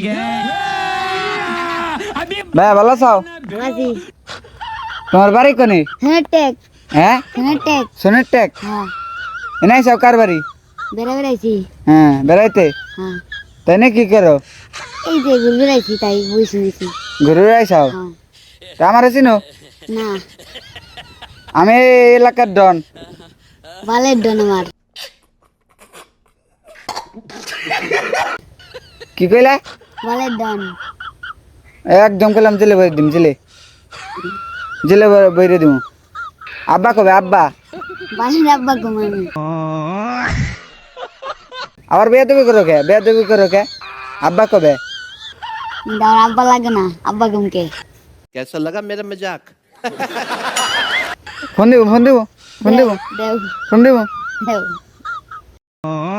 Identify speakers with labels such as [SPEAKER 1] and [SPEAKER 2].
[SPEAKER 1] ভাই ভালো আছো?
[SPEAKER 2] আজি
[SPEAKER 1] তোমার বাড়ি কোনে?
[SPEAKER 2] হেটেক
[SPEAKER 1] হ্যাঁ
[SPEAKER 2] হেটেক
[SPEAKER 1] সোনের টেক
[SPEAKER 2] হ্যাঁ
[SPEAKER 1] এনাই সব কার বাড়ি?
[SPEAKER 2] বেড়াইছি
[SPEAKER 1] হ্যাঁ বেড়াইতে
[SPEAKER 2] হ্যাঁ
[SPEAKER 1] তাই না কি করো?
[SPEAKER 2] এই যে বেড়াইছি তাই বসে বসে
[SPEAKER 1] ঘুরে আইসাও
[SPEAKER 2] হ্যাঁ
[SPEAKER 1] তা আমার চিনো?
[SPEAKER 2] না
[SPEAKER 1] আমি এই এলাকার ডন।
[SPEAKER 2] বালের ডন আমার
[SPEAKER 1] কি কইলা?
[SPEAKER 2] বালের ডন
[SPEAKER 1] একদম কইলাম জেলে বইরে দিম জেলে জেলে বইরে দিম। আব্বা কবে আব্বা?
[SPEAKER 2] বালের আব্বা ঘুমামি
[SPEAKER 1] আবার বিয়ে দেবি করো কে? বিয়ে দেবি করো কে? আব্বা কবে?
[SPEAKER 2] আমার আব্বা লাগে না আব্বা ঘুমকে
[SPEAKER 3] कैसा लगा मेरा मजाक?
[SPEAKER 1] ফোন দিব ফোন দিব ফোন দিব
[SPEAKER 2] দেও
[SPEAKER 1] ফোন দিব।
[SPEAKER 2] দেও